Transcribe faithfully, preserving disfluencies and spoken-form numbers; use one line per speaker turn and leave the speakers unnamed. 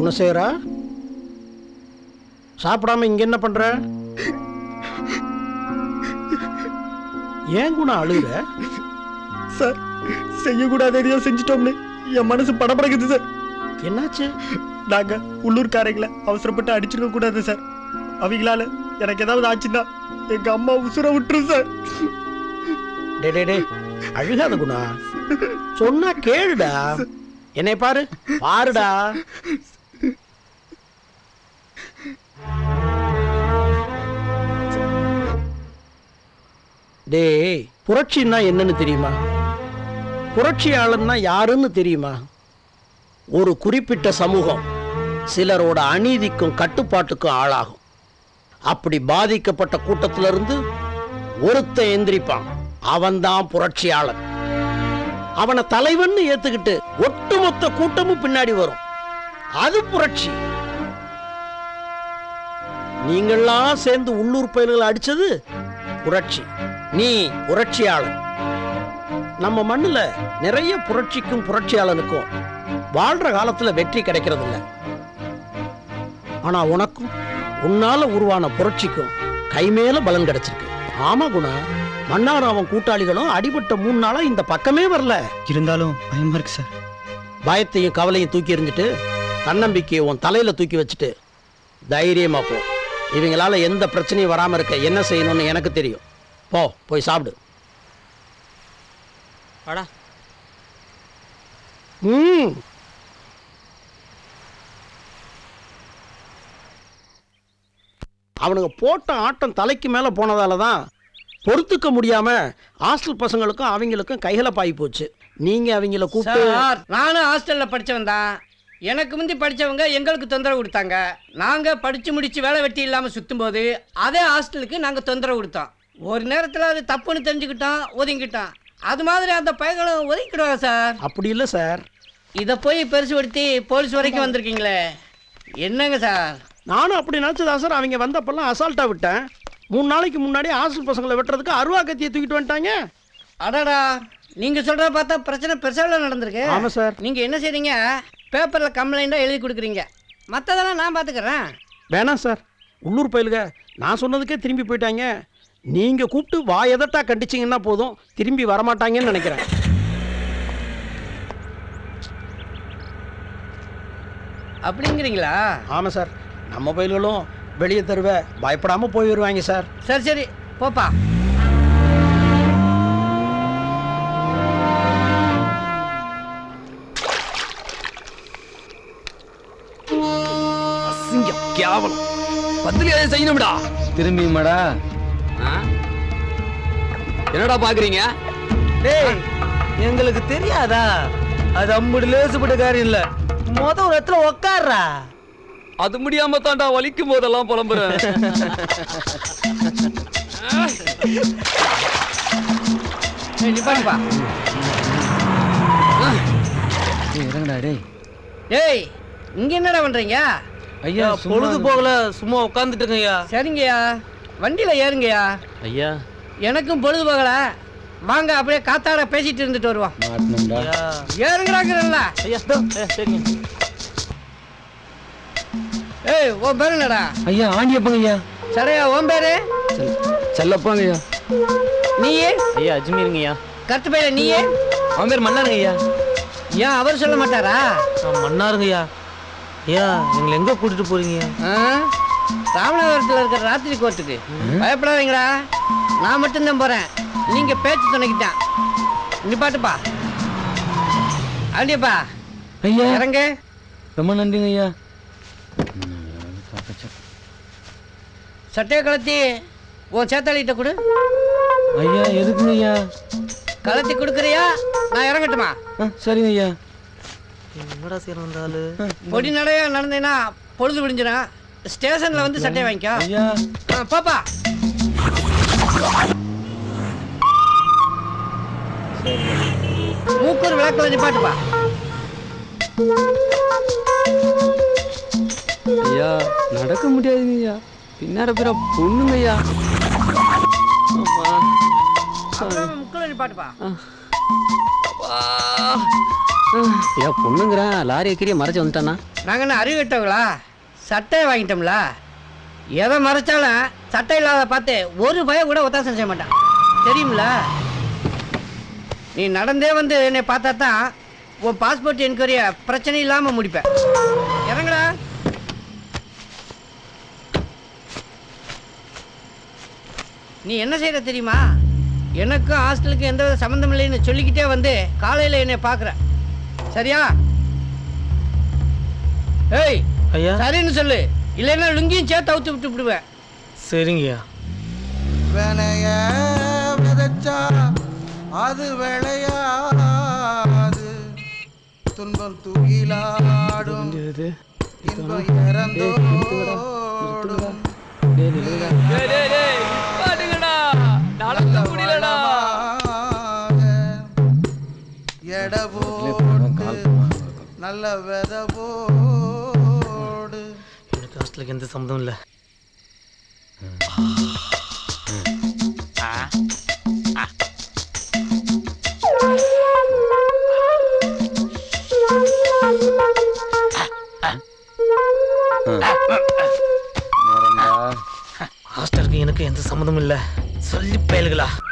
குணசேகரா, சாப்பிடாம இங்க என்ன பண்ற? ஏன் குணம் அழுகுற?
சார், செய்யக்கூடாத எதையோ செஞ்சிட்டோம்னு என் மனசு படபடக்குது சார்.
என்னாச்சு?
நாங்க உள்ளூர்காரங்களை அவசரப்பட்டு அடிச்சிருக்க கூடாது சார். அவங்களால எனக்கு ஏதாவது ஆச்சுன்னா எங்க அம்மா உசுர விட்டுரும் சார்.
டே டே டே அழுகாத குணா, சொன்னா கேளுடா. என்னை பாரு பாருடா. டேய், புரட்சின்னா என்னன்னு தெரியுமா? புரட்சியாளன்னா யாருன்னு தெரியுமா? ஒரு குறிப்பிட்ட சமூகம் சிலரோட அநீதிக்கும் கட்டுப்பாட்டுக்கும் ஆளாகும். அப்படி பாதிக்கப்பட்ட கூட்டத்திலிருந்து ஒருத்தன் எந்திரிப்பான், அவன்தான் புரட்சியாளன். அவனை தலைவன் ஏத்துக்கிட்டு ஒட்டுமொத்த கூட்டமும் பின்னாடி வரும். அது புரட்சி. நீங்கள்லாம் சேர்ந்து உள்ளூர் பயிர்களை அடிச்சது புரட்சி. நீ புரட்சியாளன். நம்ம மண்ணுல நிறைய புரட்சிக்கும் புரட்சியாளனுக்கும் வாழ்ற காலத்துல வெற்றி கிடைக்கிறது இல்ல. ஆனா உனக்கும் உன்னால உருவான புரட்சிக்கும் கைமேல பலன் கிடைச்சிருக்கு. ஆமா குணா, மன்னார் அவன் கூட்டாளிகளும் அடிபட்ட மூணு நாளா இந்த பக்கமே வரல.
இருந்தாலும் பயமா இருக்கு சார்.
பயத்தையும் கவலையும் தூக்கி எறிஞ்சிட்டு தன்னம்பிக்கையை உன் தலையில தூக்கி வச்சுட்டு தைரியமா போ. இவங்களால எந்த பிரச்சனையும் வராம இருக்க என்ன செய்யணும்னு எனக்கு தெரியும். போ, போய் சாப்பிடு.
வாடா.
ம் அவனுங்க போட்ட ஆட்டம் தலைக்கு மேல போனதால தான் பொறுத்துக்க முடியாம ஹாஸ்டல் பசங்களுக்கும் அவங்களுக்கும் கைகலப்பாயி போச்சு. நீங்க அவங்கள கூப்பிட்டு.
சார், நானும் ஹாஸ்டல்ல படிச்சவன் தான். எனக்கு முந்தி படிச்சவங்க எங்களுக்கு தொந்தரவு கொடுத்தாங்க. நாங்க படிச்சு முடிச்சு வேலை வெட்டி இல்லாம சுத்தும் போது அதே ஹாஸ்டலுக்கு நாங்க தொந்தரவு கொடுத்தோம். ஒரு நேரத்துல அது தப்புன்னு தெரிஞ்சுக்கிட்டோம், ஒதுங்கிட்டோம். அது மாதிரி அந்த பையங்களும் ஒதுக்கிடுவாங்க சார்.
அப்படி இல்லை சார்.
இதை போய் பெருசுபடுத்தி போலீஸ் வரைக்கும் வந்திருக்கீங்களே, என்னங்க சார்?
நானும் அப்படி நினச்சதா சார். அவங்க வந்தப்பெல்லாம் அசால்ட்டாக விட்டேன். மூணு நாளைக்கு முன்னாடி ஹாஸ்டல் பசங்களை வெட்டுறதுக்கு அருவா கத்தியை தூக்கிட்டு வந்துட்டாங்க.
அடாடா, நீங்க சொல்றத பார்த்தா பிரச்சனை பெருசாக நடந்திருக்கு.
ஆமாம் சார்.
நீங்க என்ன செய்றீங்க? பேப்பர்ல கம்ப்ளைண்டா எழுதி கொடுக்குறீங்க. மற்றதெல்லாம் நான் பார்த்துக்கிறேன்.
வேணாம் சார், உள்ளூர் பயிலுக நான் சொன்னதுக்கே திரும்பி போயிட்டாங்க. நீங்க கூப்பிட்டு வாயதட்டா கண்டிச்சிங்கன்னா போதும், திரும்பி வரமாட்டாங்கன்னு நினைக்கிறேன்.
அப்படிங்கிறீங்களா?
ஆமாம் சார், நம்ம பயில்களும் வெளியே தருவ பயப்படாம போய் வருவாங்க சார்.
சரி சரி, போப்பா.
அசிங்கம், கேவலம், பதிலியாவது செய்யணும்டா.
திரும்பியுமாடா?
என்னடா பாக்குறீங்க?
டேய், எங்களுக்கு தெரியாதா? அது அம்புடு லேசுபட்ட காரியம் இல்ல. மொத ஒரு இடத்துல உக்காடுறா.
அது முடியாம தான்டா வலிக்கும் போதெல்லாம் புலம்புறேன்.
நிப்பாட்டுப்பா.
இறங்கடா. டேய்
டேய், இங்க என்னடா பண்றீங்க?
ஐயா, பொழுது போகல, சும்மா உட்காந்துட்டு இருக்கேன்யா.
சரிங்கய்யா, வண்டியில ஏறுங்கய்யா.
ஐயா,
எனக்கும் பொழுது போகல, வாங்க அப்படியே காத்தாட பேசிட்டு இருந்துட்டு வருவோம். ஏறுங்கிறாங்கல்ல.
ஐயா சரிங்க.
ஏய், உன் பேரு என்னடா?
ஐயா, ஆண்டியப்பங்க ஐயா.
சரியா, உன் பேரு?
செல்லப்பாங்க ஐயா.
நீயே?
ஐயா, அஜ்மீருங்க ஐயா.
கருத்து பையில நீயே?
அவன் பேர் மன்னாருங்க ஐயா.
ஏன் அவர் சொல்ல மாட்டாரா?
மன்னாருங்க ஐயா. ஐயா, எங்களை எங்க கூட்டிட்டு போறீங்க?
ராமநாதபுரத்தில் இருக்கிற ராத்திரி கோர்ட்டுக்கு. பயப்படாதீங்களா, நான் மட்டும்தான் போறேன். நீங்க பேச்சு துணைக்கிட்டான். நிப்பாட்டுப்பா. ஆண்டியப்பா
ஐயா,
இறங்க.
ரொம்ப நன்றிங்க ஐயா.
சட்டையை கலத்தி உன் சேத்தாளிகிட்ட கொடு.
ஐயா, எதுக்குங்க ஐயா?
கலத்தி கொடுக்குறியா, நான் இறங்கட்டுமா?
சரிங்க ஐயா. என்னடா சீரம் வந்தாலு?
பொடி நடையா நடந்தேன்னா பொழுது விடிஞ்சிடும். ஸ்டேஷன்ல வந்து சட்டையை வாங்கிக்கோ.
ஐயா,
பாப்பா. மூக்கூர் விளக்கு நிப்பாட்டுப்பா.
ஐயா, நடக்க முடியாதுங்க ஐயா. பின்னார பேர பொண்ணுங்க ஐயா.
முக்கில் நிப்பாட்டுப்பா.
ஐயா, பொண்ணுங்கிறேன் லாரி எக்கிரியை மறைச்சு வந்துட்டானா?
நாங்கள் என்ன அறிவிட்டவங்களா? சட்டையை வாங்கிட்டோம்ல, எதை மறைச்சாலும் சட்டை இல்லாத பார்த்து ஒரு பயம் கூட ஒத்தாசம் செய்ய மாட்டான், தெரியுமில்ல? நீ நடந்தே வந்து என்னை பார்த்தா தான் உன் பாஸ்போர்ட் என்கொயரியை பிரச்சனை இல்லாமல் முடிப்பேன். இறங்கடா. நீ என்ன செய்யற தெரியுமா? எனக்கும் ஹாஸ்டலுக்கு எந்த வித சம்மந்தம் இல்லைன்னு சொல்லிக்கிட்டே வந்து காலையில் என்னை பார்க்குற, சரியா? ஏய்
ஐயா.
சரின்னு சொல்லு, இல்லைன்னா லுங்கியும் சேர்த்து அவுத்து விட்டு விடுவேன்.
சரிங்கய்யா.
வினைய விதைச்சா அது விளையாது, துன்பம் துகிலாடும், இன்பம் இறந்தோடும். எட போட்டு நல்ல வித போடு.
எனக்கு ஹாஸ்டலுக்கு எந்த சம்மந்தம் இல்லை. ஹாஸ்டலுக்கு எனக்கு எந்த சம்மந்தமும் இல்லை. சொல்லி பயலுகளா.